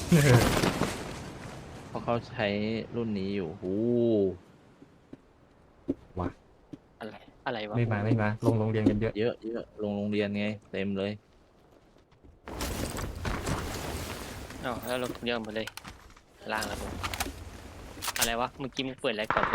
เพราะเขาใช้รุ่นนี้อยู่หูวะอะไรอะไรวะไม่มาลงโรงเรียนกันเยอะเยอะเยอะลงโรงเรียนไงเต็มเลยอ๋อแล้วเราเรื่องหมดเลยล่างแล้วผมอะไรวะเมื่อกี้มึงเปิดอะไรก่อน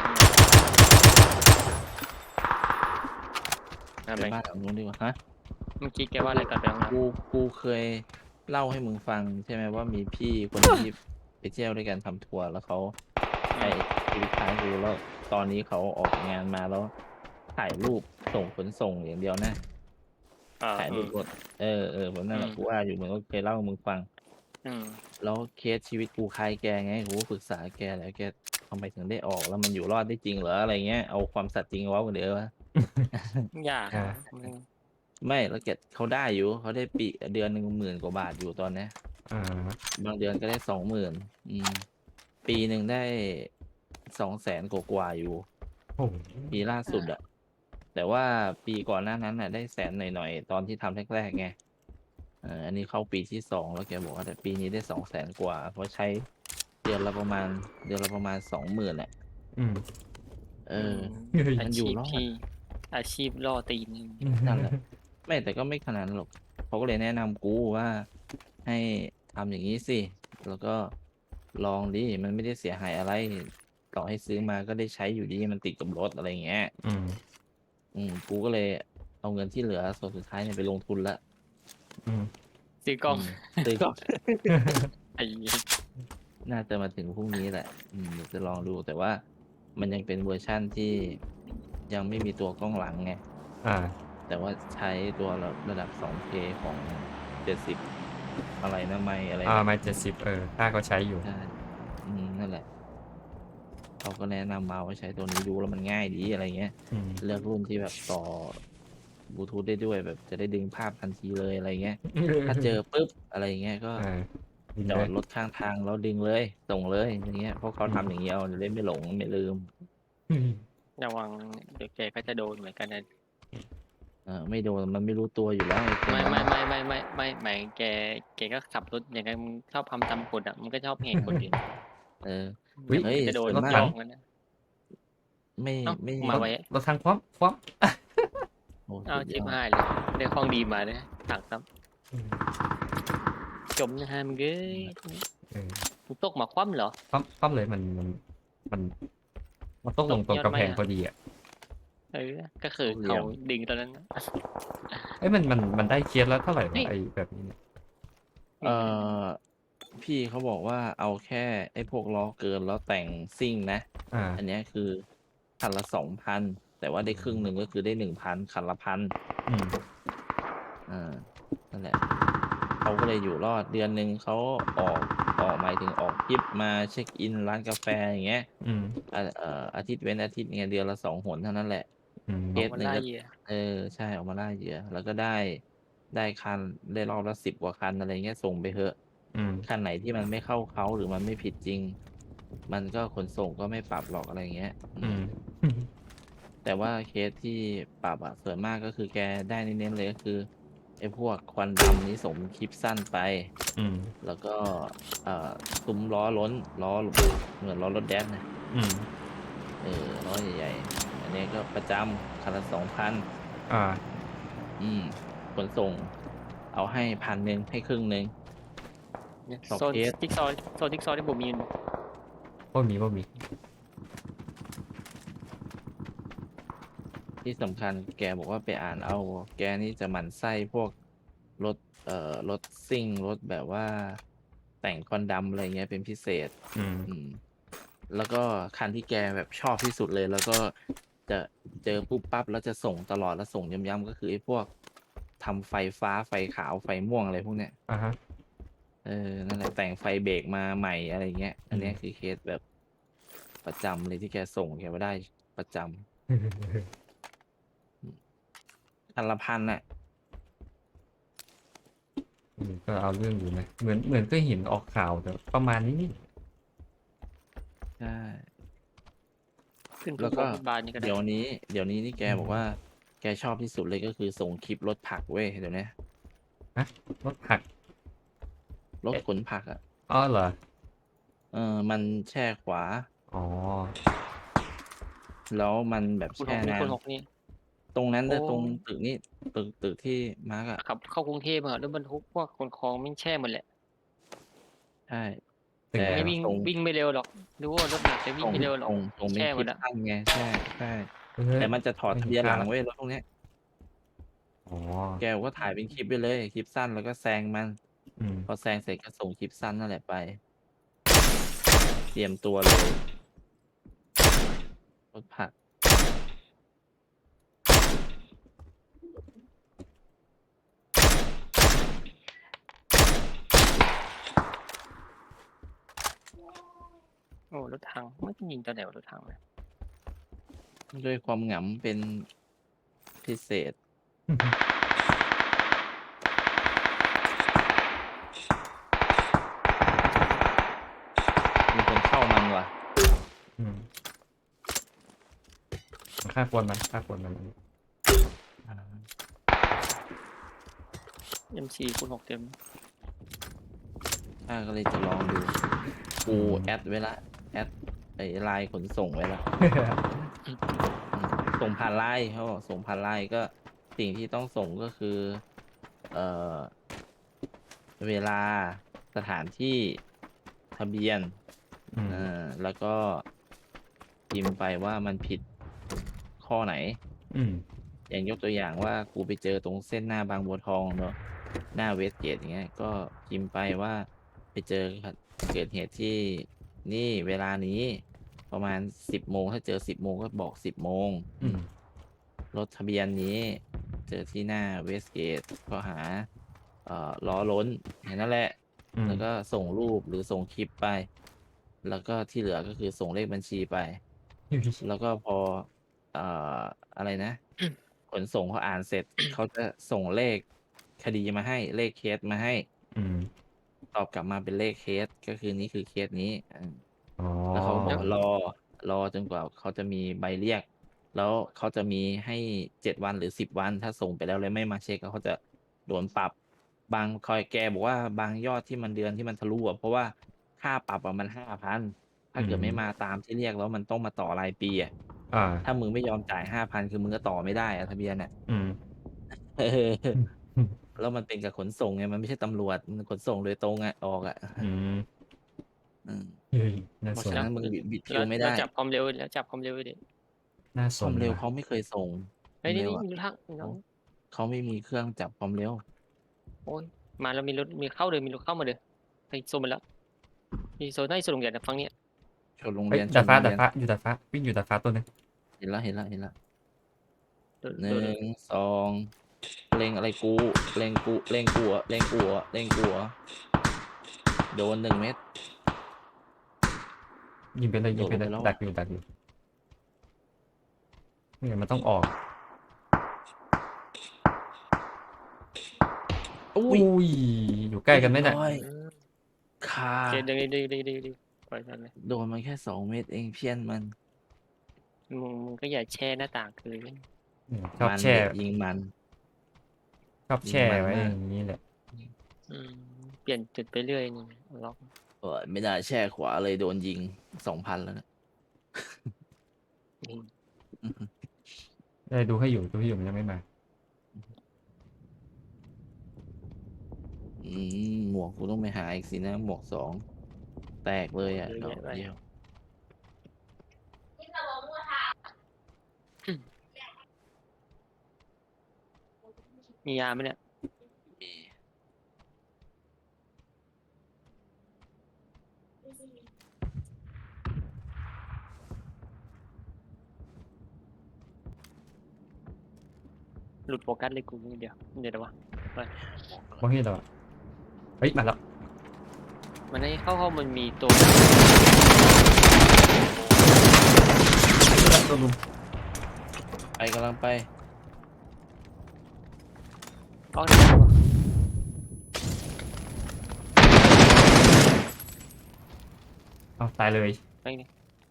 ทำไปไมบ้านหลังนู้นดีกว่าฮะเมื่อกี้แกว่าอะไรก่อนไปห้องน้กูเคยเล่าให้มึงฟังใช่ไหมว่ามีพี่คนหนึงที่ไปเที่ยวด้วยกันทำทัวร์แล้วเขาำใช้ชีวิตคล้ายกูแล้วตอนนี้เขาออกงานมาแล้วถ่ายรูปส่งขนส่งอย่างเดียวนะถ่ายรูปรถแบบนั้นแหละกูว่าอยู่มึงก็เคยเล่าให้มึงฟังแล้วเคสชีวิตกูคล้ายแกไงกูก็ปรึกษาแกแล้วแกทำไมถึงได้ออกแล้วมันอยู่รอดได้จริงเหรออะไรเงี้ยเอาความสัตย์จริงเว้ากันเดี๋ยววะยากอ่าไม่แล้วแกเขาได้อยู่เขาได้ปีเดือนหนึ่ง10,000 กว่าบาทอยู่ตอนเนี้ยอ่าบางเดือนก็ได้20,000ปีหนึ่งได้200,000กว่าอยู่โอ้โหปีล่าสุดอะแต่ว่าปีก่อนหน้านั้นน่ะได้แสนหน่อยๆตอนที่ทำแรกๆไงอันนี้เข้าปีที่2แล้วแกบอกว่าแต่ปีนี้ได้200,000 กว่าเพราะใช้เดือนละประมาณ20,000อะอืมเออเฮ้ยอามันอยู่รอดชีพที่อาชีพล่อตีนนั่นแหละไม่แต่ก็ไม่ขนาดนั้นหรอกเขาก็เลยแนะนำกูว่าให้ทำอย่างนี้สิแล้วก็ลองดิมันไม่ได้เสียหายอะไรต่อให้ซื้อมาก็ได้ใช้อยู่ดีมันติดกับรถอะไรอย่างเงี้ยอืมกูก็เลยเอาเงินที่เหลือส่วนสุดท้ายเนี่ยไปลงทุนละอืมซื้อกล้องซื้อก็ไอ้น่าจะมาถึงพรุ่งนี้แหละเดี๋ยวจะลองดูแต่ว่ามันยังเป็นเวอร์ชั่นที่ยังไม่มีตัวกล้องหลังไงอ่าแต่ว่าใช้ตัวระดับ 2K ของ70อะไรนะไม่อะไรนะไม่70ข้าก็ใช้อยู่ใช่นั่นแหละเขาก็แนะนำมาว่าใช้ตัวนี้ดูแล้วมันง่ายดีอะไรเงี้ยอืมเลือกรุ่นที่แบบต่อบลูทูธได้ด้วยแบบจะได้ดึงภาพทันทีเลยอะไรเงี้ยถ้าเจอปุ๊บอะไรเงี้ยก็อ่ายิงจอเลยดรถข้างทางแล้วดึงเลยส่งเลยอย่างเงี้ยเพราะเขาอืมทำอย่างเงี้ยเอาจะได้ไม่หลงไม่ลืมระวังเดี๋ยวแกก็จะโดนเหมือนกันนะไม่โดนมันไม่รู้ตัวอยู่แล้วไอ้พวกไม่นั้นนะหมายแกก็ขับรถอย่างนั้นมึงชอบทำตามกฎอ่ะมันก็ชอบแหกกฎอยู่เออวิเฮ้ยจะโดนส่วนมากรถถังยอกมันนะไม่เอ้าไม่รถมาไว้รถถังคว่ำโอ้เอาสุดยอดชิบหายเลยได้ของดีมาเลยถังครับอืมจมนะฮะมึงเอ้ยเออมึงตกมาคว่ำเหรอคว่ำเลยมันมันต้องตกลงตรงกำแพยอดไหมอ่ะงพอดีอ่ะเออก็คือเขาโคตรเหลี่ยมดึงตอนนั้นนะเอ้ยมันได้เคสแล้วเท่าไหร่วะเฮ้ยไอ้แบบนี้เนี่ยเออพี่เขาบอกว่าเอาแค่ไอ้พวกล้อเกินแล้วแต่งซิ่งนะอันอ่าเนี้ยคือคันละ2,000แต่ว่าได้ครึ่งหนึ่งก็คือได้1,000คันละ1,000 อืมอ่านั่นแหละเขาก็เลยอยู่รอดเดือนหนึ่งเขาออกหมายถึงออกทริปมาเช็คอินร้านกาแฟอย่างเงี้ยอืมอาทิตย์เว้นอาทิตย์เนี่ยเดือนละ2 หนเท่านั้นแหละอืมเคออกมาสหนึ่งก็ล่าเหยื่อเออใช่ออกมาล่าเหยื่อแล้วก็ได้คันได้รอบละ10 กว่าคันอะไรเงี้ยส่งไปเถอะอืมคันไหนที่มันไม่เข้าเขาหรือมันไม่ผิดจริงมันก็ขนส่งก็ไม่ปรับหรอกอะไรเงี้ยอืมแต่ว่าเคสที่ปรับส่วนมากก็คือแกได้เน้นๆเลยก็คือไอ้พวกควันดำนี้สมคลิปสั้นไปอืมแล้วก็เอ่อซุ้มล้อล้นล้อเหมือนล้อรถแดนนะอืมล้อใหญ่ๆอันนี้ก็ประจำคันละ2,000 อ่าอืมขนส่งเอาให้1,100ให้ครึ่งหนึ่งต่อโซนเคสจิ๊กซอว์จิ๊กซอว์ที่ผมมีอยู่พวกมีที่สำคัญแกบอกว่าไปอ่านเอาแกนี่จะหมั่นไส้พวกรถรถซิ่งรถแบบว่าแต่งควันดำอะไรเงี้ยเป็นพิเศษอืมอืมแล้วก็คันที่แกแบบชอบที่สุดเลยแล้วก็จะเจอปุ๊บปั๊บแล้วจะส่งตลอดแล้วส่งย้ำๆก็คือไอ้พวกทำไฟฟ้าไฟขาวไฟม่วงอะไรพวกเนี้ยอ่าฮะนั่นแหละแต่งไฟเบรกมาใหม่อะไรเงี้ยอัอืมนเนี้ยคือเคสแบบประจำเลยที่แกส่งแกว่าได้ประจำคันละ1,000น่ะก็เอาเรื่องอยู่นะเหมือนก็เห็นออกข่าวแต่ประมาณนี้นี่ใช่ขึ้นแล้วก็ฟุตบาทนี่ก็ได้เดี๋ยวนี้นี่แกอืมบอกว่าแกชอบที่สุดเลยก็คือส่งคลิปรถผักเว้ยเดี๋ยวนี้ฮะรถผักรถเอ๊ะขนผักอ่ะอ๋อเหรอมันแช่ขวาอ๋อแล้วมันแบบคูณหกนี่แช่นานคูณหกนี่ตรงนั้นโอ้นะตรงตึกนี้ตึกที่มาร์กอะขับเข้ากรุงเทพอะรถบรรทุกพวกขนของแม่งแช่หมดแหละใช่ตึกแต่ไหนวะไม่วิ่งส่งวิ่งไม่เร็วหรอกรู้ว่ารถหนักแต่วิ่งส่งไม่เร็วหรอกส่งเป็นคลิปแช่หมดอะสั้นไงใช่ใช่เฮ้แต่ยมันจะถอดไม่ทะเบียนหลังเห็นภาพเว้ยรถพวกเนี้ยอ๋อแกก็ถ่ายเป็นคลิปไปเลยคลิปสั้นแล้วก็แซงมันอืมพอแซงเสร็จก็ส่งคลิปสั้นนั่นแหละไปเตรียมตัวเลยรถผักโอ้รถถังไม่ยิงตอนไหนวะรถถังเนี่ยด้วยความหงำเป็นพิเศษมีคนเข้ามันว่ะอืมค่าควรมันค่าควรมันอ่า M4 คูณ6เต็มข้าก็เลยจะลองดูกูแอดไว้ละแอดไอ้ไลน์ขนส่งไว้ละ ส่งผ่านไลน์เขาบอกส่งผ่านไลน์ก็สิ่งที่ต้องส่งก็คือเอ่อเวลาสถานที่ทะเบียนอืมแล้วก็พิมพ์ไปว่ามันผิดข้อไหนอืมอย่างยกตัวอย่างว่ากูไปเจอตรงเส้นหน้าบางบัวทองเนอะหน้าเวสเกตอย่างเงี้ยก็พิมพ์ไปว่าไปเจอเกิดเหตุที่นี่เวลานี้ประมาณ10 โมงถ้าเจอ10 โมงก็บอก10 โมงอืมรถทะเบียนนี้เจอที่หน้าเวสเกตก็หาล้อล้นเห็นนั่นแหละอืมแล้วก็ส่งรูปหรือส่งคลิปไป แล้วก็ที่เหลือก็คือส่งเลขบัญชีไป แล้วก็พอเอ่ออะไรนะขนส่งเขาอ่านเสร็จเขาจะส่งเลขคดีมาให้เลขเคสมาให้อืมตอบกลับมาเป็นเลขเคสก็คือนี่คือเคสนี้อ๋อแล้วเขาก็บอกแล้วว่ารอจนกว่าเขาจะมีใบเรียก แล้วเขาจะมีให้7 วันหรือ10 วันถ้าส่งไปแล้วเลยไม่มาเช็คเขาจะโดนปรับบางคอยแกบอกว่าบางยอดที่มันเดือนที่มันทะลุเพราะว่าค่าปรับมัน5,000ถ้าอืเกิดไม่มามตามที่เรียกแล้วมันต้องมาต่อรายปีอ่ะอ่าถ้ามึงไม่ยอมจ่าย5,000คือมึงก็ต่อไม่ได้อะทะเบียนอ่ะอืมเออือมอืมแล้วมันเป็นกับขนส่งไงมันไม่ใช่ตำรวจมันขนส่งโดยตรงอ่ะออกอ่ะอืมอืมเฮ้ยน่าเพราะสนฉะนั้นมึงบิดคิแล้ววไม่ได้แล้วจับความเร็วแล้วจับความเร็วดิน่าสความเร็วนว่ะเขาไม่เคยส่งคเฮ้ยนี่วามเร็วอ่ะนี่มีรถถังน้เขาองเขาไม่มีเครื่องจับความเร็วโอ้ยมาแล้วมีรถมีเข้าเลยมีรถเข้ามาเลยไปโซนมาแล้วมีโซนได้โซนโรงเรียนนะฟังเนี้ยชนโรงเฮ้ยเรียนชดาดฟ้านโรงเรียนดาดฟ้าอยู่ดาดฟ้าวิ่งอยู่ดาดฟ้าตัวหนึงเห็นแล้วเห็นแล้วเห็นแล้วโดนหนึ่โดนง2เล็งอะไรกูเล็งกูเล็งกูโดน1 เม็ดยิงไปเลยโดยิงไปเลยดลงไปแล้วอ่ะดักอยู่เนี่ยมันต้องออกอุ้ยอุ้ยอยู่ใกล้กันไหมเนี่ยเรียบร้อยอืมคาโอเคดีปล่อยทันเลยโดนมันแค่2 เม็ดเองเพี้ยนมันมึงก็อย่าแช่หน้าต่างคือเนี่ยชอบมันแช่เด็กยิงมันยิงชอบแช่ไว้อมันมากย่างนี้แหละอืมเปลี่ยนจุดไปเรื่อยนี่ล็อกไม่ได้แช่ขวาเลยโดนยิง2,000แล้วนะอืมได้ดูให้อยู่มันยังไม่มาหมวกกูต้องไปหาอีกสินะหมวก2แตกเลยอ่ะเยอะดอแยะไปกเดียวมียาไหมเนี่ยมีหลุดโฟกัสเลยกูนิดเดียวเดี๋ยววะไปมองเห็นแล้วอะเฮ้ยมาแล้วมันให้เข้ามันมีตัวโดนลุมไปกำลังไปล็อกได้ไหมวะเอาตายเลยไปนี่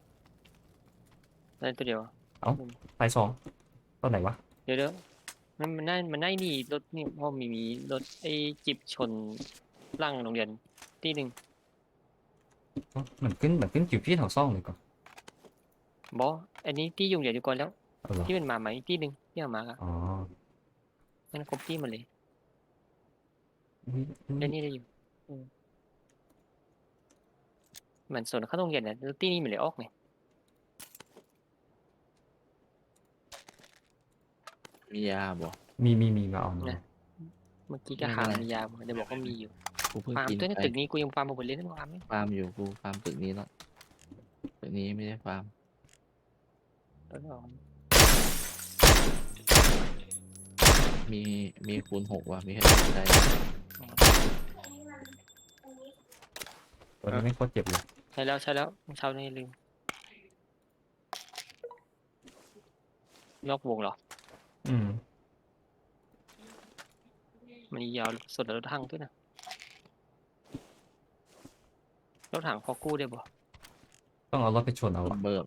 ได้ตัวเดียวอะตาย2ตอนไหนวะเดี๋ยวมันได้นี่รถนี่เพราะมีรถไอ้จิบชนร่างโรงเรียนที่หนึ่งเหมือนขึ้นอยู่ที่แถวซ่องเลยก่อนบออันนี้ที่ยุงเดี๋ยวอยู่ก่อนแล้วเอาเหรอที่เป็นหมาใหม่อีกที่หนึ่งที่เอามาอะอ๋อนั่นครบที่หมดเลยอุ๊ยอุ๊ยเล่นนี่ได้อยู่เหมือนส่วนเข้าโรงเรียนเนี่ยแล้วที่นี่มันเลยออกไงมียาบ่มีมาเอามานะ เมื่อกี้ก็หามียาเดี๋ยวบอกว่ามีอยู่กูเพิ่งฟาร์มกินตัวในไปตึกนี้กูยังฟาร์มมาหมดเลยนั่นฟาร์มไหมฟาร์มอยู่กูฟาร์มตึกนี้แล้วตึกนี้ไม่ได้ฟาร์มตัวนี้ออกมีคูณ 6ว่ะมีแค่ใดตัวนี้ไม่โคตรเจ็บเลยใช่แล้วเช้านี้ลืมยกวงเหรออืมมันยาวสุดแล้วรถถังด้วยนะรถถังพอกู้ได้บ่ต้องเอารถไปชนเอาอะเบิร์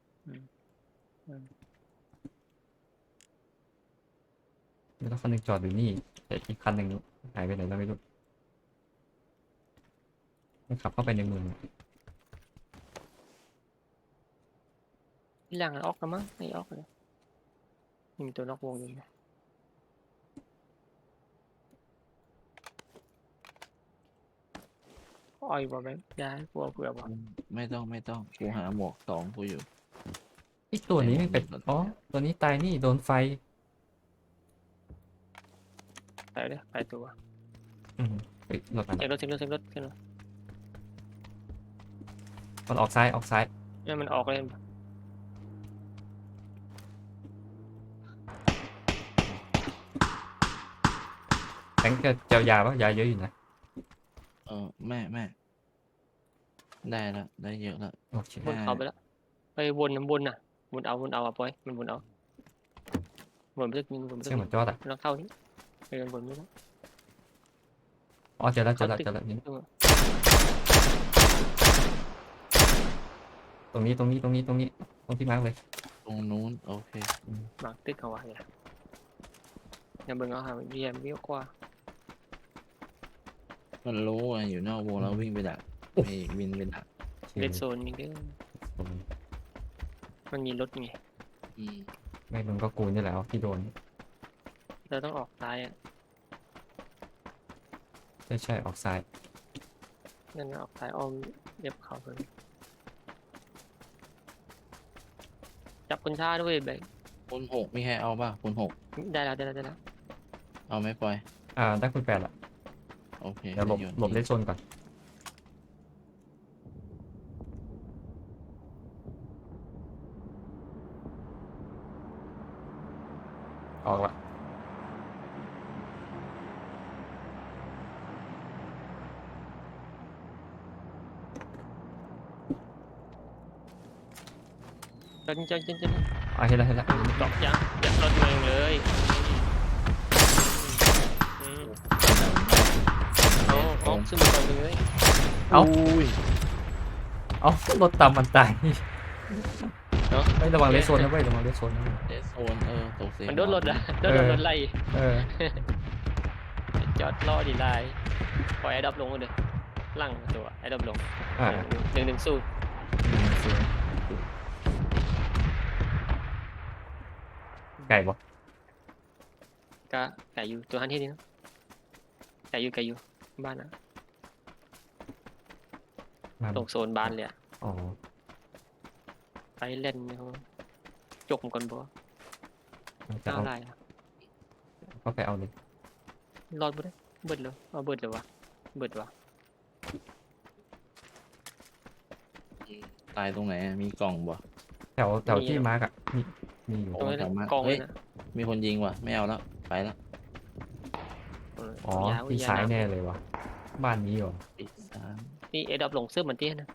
ไม่ต้องคันหนึงจอดอยู่นี่แต่อีกคันหนึ่งหายไปไหนแล้วไม่รู้มันขับเข้าไปในเมืองที่ล่างออกแล้วมั้งไม่ออกเลยมีตัวนอกวงอยู่นะอ้อยบ่แบงค์ย้ายกลัวเผื่อบ่ไม่ต้องกูหาหมวก2กูอยู่ไอ้ตัวนี้ไม่เป็นอ๋อตัวนี้ตายนี่โดนไฟไปเลยไปตัวอืมเฮ้ยรถมันเช็ครถขึ้นรถมันออกซ้ายเนี่ยมันออกเลยแบงค์จะเจียวยาปะยาเยอะอยู่นะแม่ได้แล้วได้เยอะแล้วโอเคบนเขาไปแล้วไปวนน้ำวนน่ะวนเอาอะปอยมันวนเอาวนไปสักนิดวนไปสัเชื่กอเหนิมือดนจอดอ่ะแล้วเข้านี่ไปกันวนไม่ได้อ๋อเจอแล้วเข้าตึกนี่เออตรงนี้ตรงที่มาร์กเลยตรงนู้นโอเคมาร์คตึกเขาไว้เนี่ยอย่าเบิ่งเอาหาเรียนวิวกว่ามันรู้ว่าอยู่นอกวงแล้ววิ่งไปดักไปวินไปดักเลดโซนนี่เด้อมันมีรถไงอืมไม่มึงก็กูนี่แหละที่โดนเราต้องออกซ้ายอ่ะใช่ออกซ้ายนั่นออกซ้ายอ้อมเรียบเขาเลยจับคนช้าด้วยแบงค์คูณ 6มีใครเอาป่ะคูณ 6 ได้แล้วเอาไหมปอยได้คุณ8ละโอเคเดี๋ยวหลบโยนหลบทิ้งเลนโซนก่อนออกละจนเห็นแล้วตอกยังยัดรถเมืองเลยเอาขึ้นมาก่อนเลยเอาอุ้ยเอารถตามมันตายเนาะไม่ระวังเลนโซนนะเว้ยระวังเลนโซนนะเดสโซนตกเสียงมันโดนรถอ่ะโดนรถไล่เออจอดรอดีไลน์ปล่อยไอ้ดับลงเลยลั่งตัวไอ้ดับลงอ่าหนึ่งสู้ไก่บ่ก็ไก่อยู่ตัวฮันที่นี่เนาะไก่อยู่บ้านนะมาตรงโซนบ้านเลยอะอ๋อไปเล่นเขาจกมันก่อนบ่จะน่าเอาได้อะก็ไปเอาเลยรอดบ่ได้เบิดเลยเอาเบิดเลยวะเบิดวะตายตรงไหนอะมีกล่องบ่แถวที่มาร์กอ่ะมีอยู่ตรงนี้สามารถกองเลเฮ้ยยนะมีคนยิงว่ะไม่เอาแล้วไปแล้วอ๋อเอาที่ยาซ้ายน้แน่เลยวะบ้านนี้เหรอปิดสามำนี่ไอ้ดับลงเสื้อเหมือนเตี้ยนะ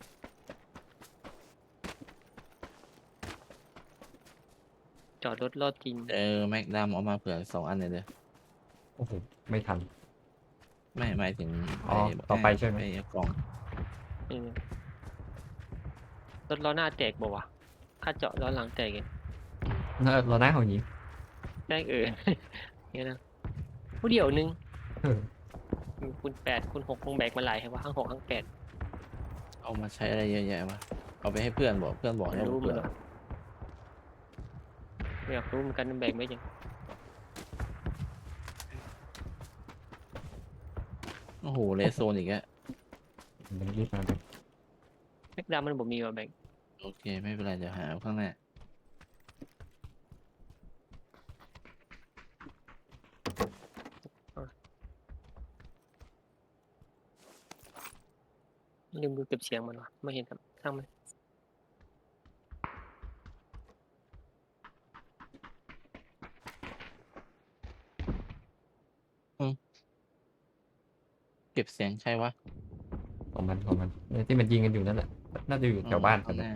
จอดรถรอดจริงแม็กดัมเอามาเผื่อ2 อันเลยเด้อโอ้โหไม่ทันไม่หมายถึงอ๋อต่อไปใช่ไหมอ้กล่องเออรถล้อหน้าแตกบ่วะค่าเจาะล้อหลังแตกเองเราหน้าของหญิงแตกเนี่ยนะผู้เดียวนึงเออคูณ 8คูณ 6คงแบกมาหลายให้ว่าข้าง 6ข้าง 8 เอามาใช้อะไรเยอะแยะวะเอาไปให้เพื่อนบอกเพื่อนบอกไม่ให้รู้เพื่มัอน นหรอกไม่อยากรู้เหมือนกันมันแบ่งไม่ยังโอ้โหเลสโซนอีกแล้วมันรีบมาเลยแม็กดามันบ่มีว่าแบ่งโอเคไม่เป็นไรเดี๋ยวหาข้างหน้าลืมดูเก็บเสียงมันวะไม่เห็นครับช่างมันเก็บเสียงใช่วะของมันเนี่ยที่มันยิงกันอยู่นั่นแหละน่าจะอยู่แถวบ้านกัข้าน งหนะน้า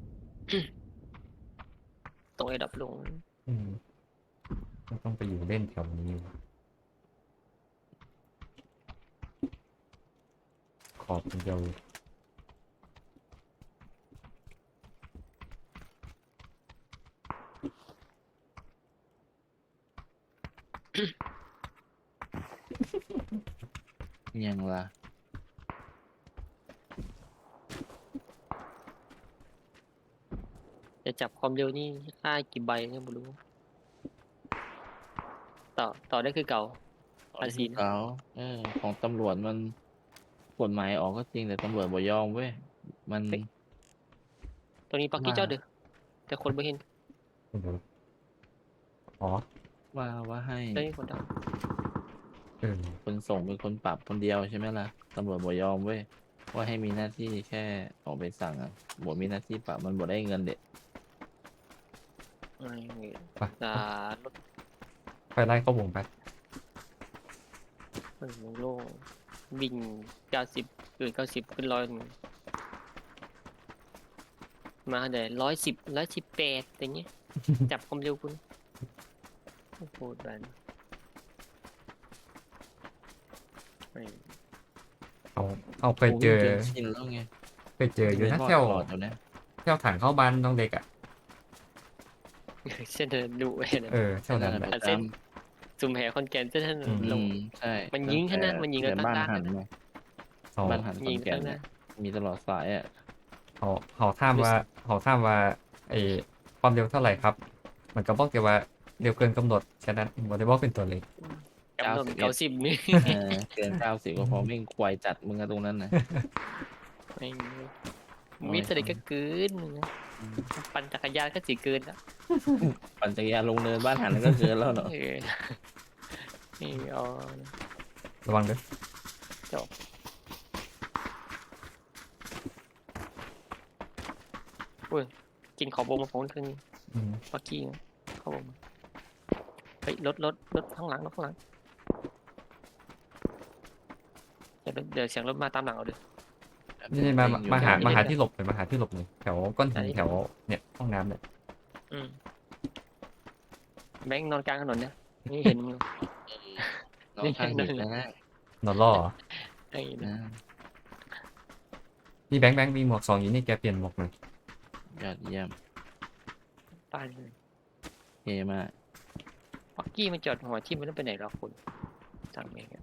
ตรงไอ้ดับลงอืมต้องไปอยู่เล่นแถวนี้ขอบมันเดียวยังล่ะจะจับความเร็วนี่ค่ากี่ใบเนี่ยไม่รู้ต่อได้คือเก่า ภาษีนะเก่าของตำรวจมันกฎหมายออกก็จริงแต่ตำรวจบ่ยอมเว้ยมันตัวนี้ปักกี้ว่าเจ้าเด้อแต่คนไม่เห็นเดี๋ยวอ๋อว่าให้ได้คนดังคนส่งเป็นคนปรับคนเดียวใช่ไหมล่ะตำรวจบ่ยอมเว้ยว่าให้มีหน้าที่แค่ออกไปสั่งอ่ะบ่มีหน้าที่ปรับมันบ่ได้เงินเด็ดไปรถไปไล่เข้าวงไปมันโล่งวิ่ง9090ขึ้น100มาเดี๋ยว110 118อย่างเงี้ย จับความเร็วคุณโอ้โหแบนเอาเคยเจอโวิ่งนชินแล้วไงเคยเจออยู่นะวิ่งแถวตลอดอยู่นะแถวถังเข้าบ้านน้องเด็กอ่ะเส้นเดินดุเว้ยนะแถวนั้นนั่นแหแหละละเส้นซุ่มแห่คอนแกนเส้นนั้นอืมลงใช่มันยิงแค่นั้นมันยิงกันแต่บ้านตั้งๆหันนะมาเขาบ้านหันขยิอนงแก่นตั้งเนี่ยนะมีตลอดสายอ่ะเขาถามว่าไอ้ความเร็วเท่าไหร่ครับ มันก็บอกแต่ว่าเร็วเกินกำหนดแค่นั้นบอกได้บอกเป็นตัวเลขกำหนด 91 90นี่เกิน90ก็พอไม่งควายจัดมึงอะตรงนั้นนะไม่มีแต่เด็กก็เกินนะปั่นจักรยานก็สิเกินแล้วปั่นจักรยานลงเนินบ้านหันก็เกินแล้วเนาะนี่เอาระวังด้วยกินขอบวงมาของคืนนี้อืมปักกี้นะเข้าวงมาเฮ้ยรถข้างหลังรถข้างหลังเดี๋ยวเสียงรถมาตามหลังเอาดินี่มาหาที่หลบเลยมาหาที่หลบเลยแถวก้อนหินไหนแถวเนี่ยห้องน้ำเนี่ยอืมแบงค์นอนกลางถนนเนี่ยนี่เห็นมึงน้องข้างหินนะนอนล่อเหรอไอ้นะนะนี่แบงค์มีหมวก2อยู่นี่แกเปลี่ยนหมวกหน่อยยอดเยี่ยมป้ายเลยเท่มากปักกี้มันจอดหัวที่มันต้องไปไหนหรอคุณทางเองอะ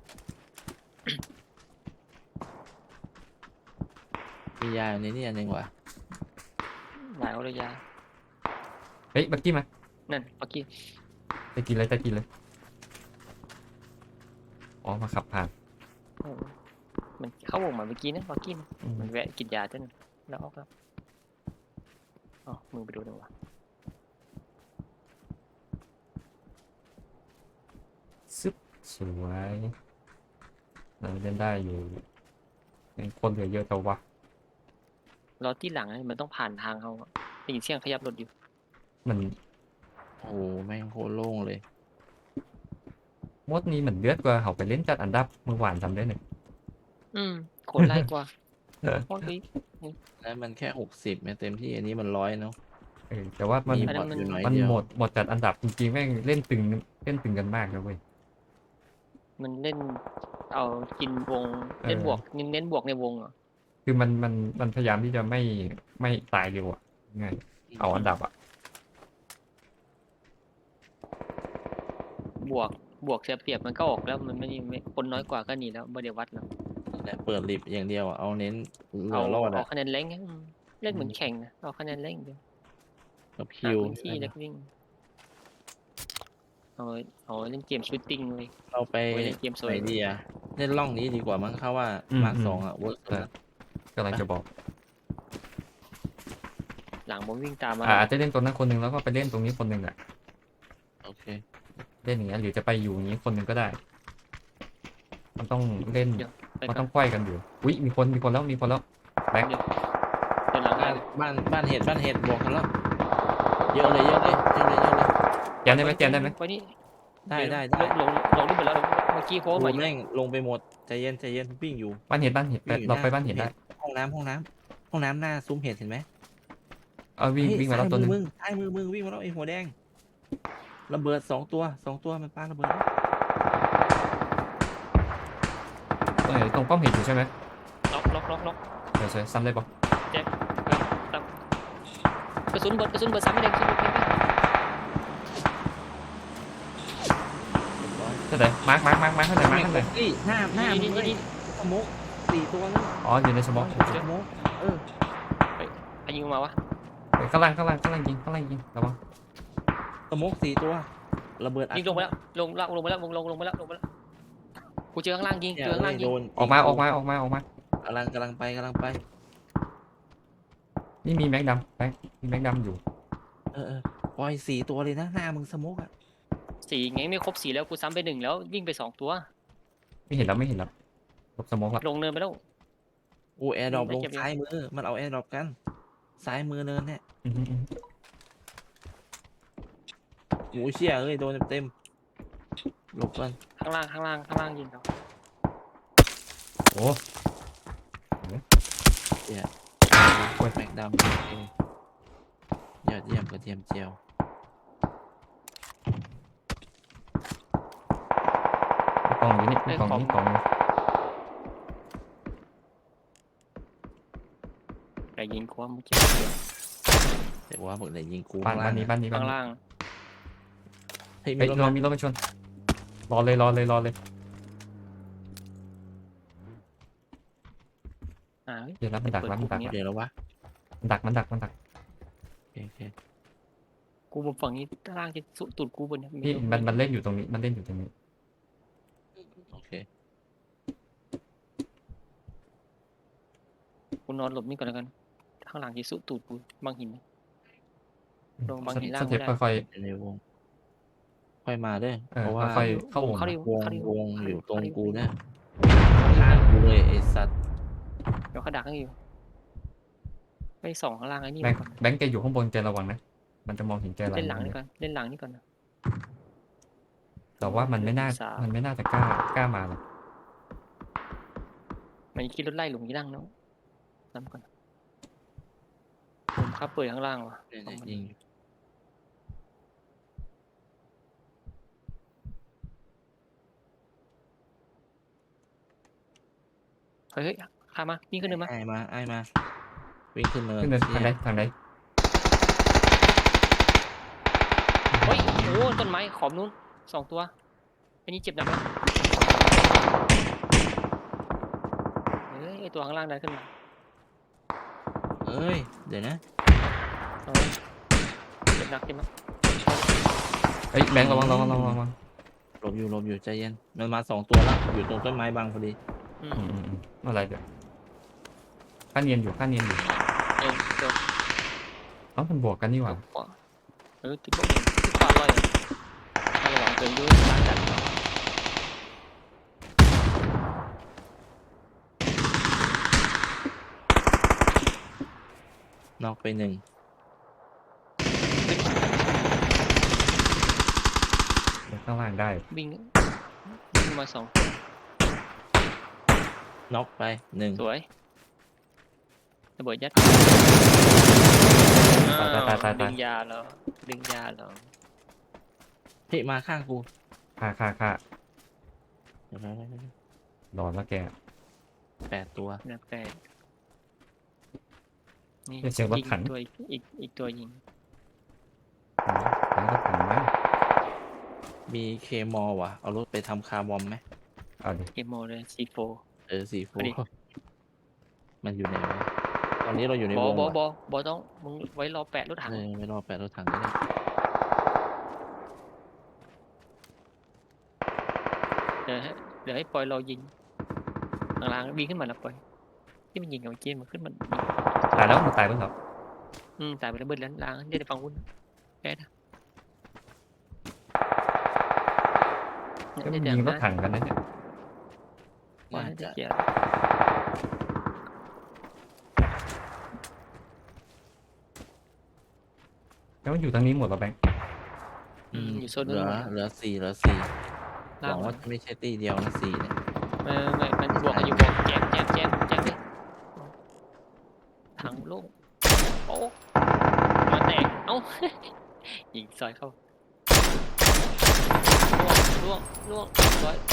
มียาอยู่ในนี่อันหนึงว่ะหลายเอาเลยยาเฮ้ยบักกี้มานั่นปักกี้ไปกินเลยอ๋อมาขับผ่านโอ้มันเข้าวงมาเมื่อกี้นะปักกี้นะอืมมันแวะกินยาจนแล้วออกแล้วอ๋อมึงไปดูหน่อยวะซึบสวยเราเล่นได้อยู่ยังคนเหลือเยอะแต่วะรถที่หลังอะมันต้องผ่านทางเขาอะได้ยินเสียงขยับรถอยู่มันโอ้โหแม่งโคตรโล่งเลยมดนี้เหมือนเลือดกว่าเขาไปเล่นจัดอันดับเมื่อวานจำได้หนึ่งโคตรไล่กว่าโคตรดีแล้วมันแค่60เต็มที่อันนี้มัน100เนาะแต่ว่ามันมีอันบนั้อน ทมันอยู่น้อยมันเดียวหมดจัดอันดับจริงๆแม่งเล่นตึงกันมากนะเว้ยมันเล่นเอากินวงเออเล่นบวกเน้นบวกในวงเหรอคือมันพยายามที่จะไม่ตายเร็วอ่ะง่ายเอาอันดับอ่ะบวกเสียเปรียบมันก็ออกแล้วมันไม่คนน้อยกว่าก็หนีแล้วไม่ได้วัดแล้วเอนั่นแหละเปิดลิฟต์อย่างเดียวอะเอาเน้นเหลืเอาอรอดเอาอะคะแนนเล่งเล่นเหมือนแข่งนะเอาคะแนนเล่งเดียวกับหาคิวพื้นที่แล้วก็วิ่งเอาเล่นเกมชูตติ้งเลยเราไปโอ้ยเล่นเกมสไหวยนดีอะเล่นร่องนี้ดีกว่ามั้งเขาว่าอืมมาร์คอืมสองอะเวิร์กสุดละกำลังจะบอกหลังผมวิ่งตามมาอาจจะเล่นตรงนั้นคนหนึ่งแล้วก็ไปเล่นตรงนี้คนหนึ่งอ่ะโอเคเล่นอย่างเงี้ยหรือจะไปอยู่อย่างนี้คนหนึ่งก็ได้ มันต้องเล่นไปมันก่ต้ออน งไขว้กันอยู่อุ้ยมีคนแล้วแบ็คเดี๋ยวเดินหลังบ้าให้นบ้านเห็ดบอกกันแล้วเยอะเลยแจมได้ไหมแจมได้ไหมไปนี่ได้เยวได้ลงนี่หมดแล้วเมื่อกี้โค้งโอ้มาอยู่แม่งลงไปหมดใจเย็นวิ่งอยู่บ้านเห็ดไปเราไปบ้านเห็ดได้ห้องน้ำหน้าซุ้มเห็ดเห็นไหมเอาวิ่งมาแล้วตัวหนึงซ้ายมือมึงวิ่งมาแล้วไอ้หัวแดงระเบิดสองตัวมันปาระเบิดตรงป้อมเห็ดอยู่ใช่ไหมล็อกเดี๋ยวซ้ำได้ปะกระสุนเบิดซ้ำไม่ได้กระสุนเบิดไม่ได้เท่าไหร่มาร์คเท่าไหร่นี่หน้ามึงเลยนี่สโมก4 ตัวเลยอ๋ออยู่ในสมองสโมกใครยิงมาวะข้างล่างยิงระวังสโมก4 ตัวระเบิดอัดยิงลงไปแล้วลงไปแล้วกูเจอข้างล่างยิงเนี่ยเจอข้างล่างยิโดงนออกมากำลังไปนี่มีแม็กดำไปมีแม็กดำอยู่ปล่อย4 ตัวเลยนะหน้ามึงสโมกอะสี่ไงไม่ครบ4แล้วกูซ้ำไป1แล้ววิ่งไป2ตัวไม่เห็นแล้วหลบสมองละลงเนินไปแล้วกูแอร์ดรอปไม่ลงเก็บยังซ้ายมือมันเอาแอร์ดรอปกันซ้ายมือเนินเนี่ยโอ้เชี่ยเอ้ยโดนเต็มหลบก่อนข้างล่างยิงเขาโอ้แม็กดำยอดเยี่ยมกระเทียมเจียวกล่องอยู่นี่กล่องอยู่ใครยิงความเมื่อกี้แต่ว่าบอกเลยยิงกูบ้านนี้ข้างล่างเฮ้ยเฮ้ยมีรถมีรถมาชนรอเลยเฮ้ยเดี๋ยวรับมันดักเดี๋ยวแล้ววะมันดักโอเคกูบนฝั่งนี้ข้างล่างจะสุดตูดกูบนเนี่ยนี่มันเล่นอยู่ตรงนี้โอเคกูนอนหลบนี่ก่อนแล้วกันข้างหลังจะสุดตูดกูบางหินลงบางหินล่างสเต็ไม่ปได้ค่อยในวงค่อยมาเด้อๆเพราะว่าค่อยเข้าวงเข้าดิวงอยู่ตรงกูเนี่ยข้างกูเลยไอ้สัตว์เดี๋ยวเขาดักให้อยู่ไปส่องข้างล่างไอ้นี่แบงก่อนแบงค์แกอยู่ข้างบนแกระวังนะมันจะมองเห็นแกเล่นหลังนี่ก่อนเล่นหลังนี่ก่อนนะแต่ว่ามันไม่น่าจะกล้ามาหรอกมันคิดรถไล่หลงยี่นั่งเนาะน้ำก่อนผมขับเปิดข้างล่างว่ะเนี่ยยิงอยู่เฮ้ยข้ามาวิ่งขึ้นเนินมาไอ้มาวิ่งขึ้นเนินขึ้นเนินทางไหนเฮ้ยโอ้ต้นไม้ขอบนู้น2 ตัวอันนี้เจ็บหนักไหมเฮ้ยไอตัวข้างล่างได้ขึ้นมาเอ้ยเดี๋ยวนะเจ็บหนักเฮ้ยแบงค์ระวังหลบอยู่ใจเย็นมันมา2 ตัวแล้วอยู่ตรงต้นไม้บังพอดีอะไรเดี๋ยวข้าเนียนอยู่เออเดี๋ยวเอ้ามันบวกกันนี่หว่าขวาติดขวาลอยระวังเกินด้วยหลังจัดนอกไป1 ข้างล่างได้วิ่งมา2 น็อกไป1 สวยระเบิดยัดตายดึงยาแล้วเฮ้ยมาข้างกูค่าเดี๋ยวรอแล้วแก 8 ตัวนับแปดนี่เสียงรถถังตัวอีกตัวยิงแล้วก็ถังไหมมีเคมอลว่ะเอารถไปทำคาร์บอมไหมเอาดิเกมโมเลยC4 C4 พอดีมันอยู่ไหนวะตอนนี้เราอยู่ในบอวงบอว่ะบอต้องมึงไว้รอแปะรถถังไม่รอแปดรถถังก็ได้เดี๋ยวให้เดี๋ยวให้ปอยรอยิงหลังๆบินขึ้นมาแล้วปอยที่มันยิงกับเมื่อกี้มันขึ้นมันยิงตายแล้วมันตายไปแล้วตายไปแล้วเบิดแล้วล้างเดี๋ยวฟังวุ้นแค่นะก็มันยิงรถถังกันนะเนี่ยว่าน่าจะจะเกียร์แล้วมันอยู่ทางนี้หมดเหรอแบงค์อยู่โซนเหนู้ลืนอหมดเหลือสี่เหลือสี่หล่าวังงหมว่าดจะไม่ใช่ตีเดียวนะสี่เนี่ยไม่มันบวกกันอยู่บวกแจมเลยถังโล่งโอ้มาแตกเอ้า ยิงซอยเข้าล่วงร้อย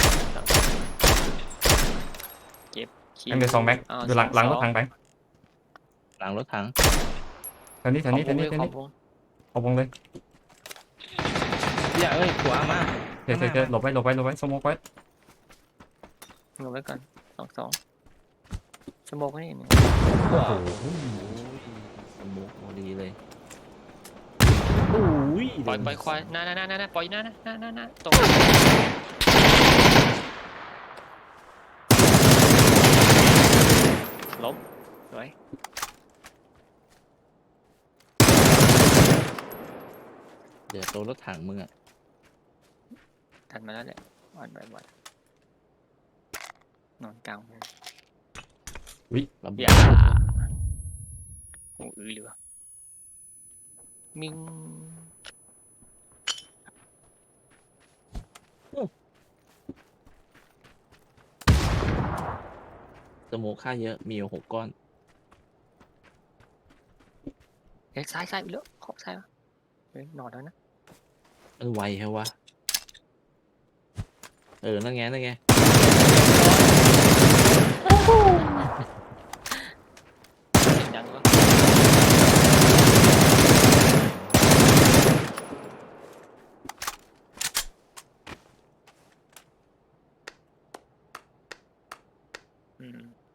เก็บคิแบงค์เดี๋ยวสองแบงค์อยู่หลังรถถังแบงค์หลังรถถังทางนี้ขอบวงขเลยอบวงเลยอย่าเอ้ยขวามาเดี๋ยวหลบไว้สโมกไว้เงาไว้ก่อนสองสโมกนี่โอ้โหโอ้ยสมุกพอดีเลยโอ้ยปล่อยควายหน้าปล่อยหน้าตรงล้มสวยเดี๋ยวตัวรถถังมึงอ่ะทันมาแล้วแหละวันไปวันนอนกลางเลยระเบิอดย่าโอ้ยเหลือมิงสมุกค่าเยอะมีอยู่6 ก้อนเฮ้ยซ้ายไปแล้วขอบซ้ายวะเฮ้ยนอนแล้วนะมันไวแค่วะนั่นไงเสียงดังวะอืม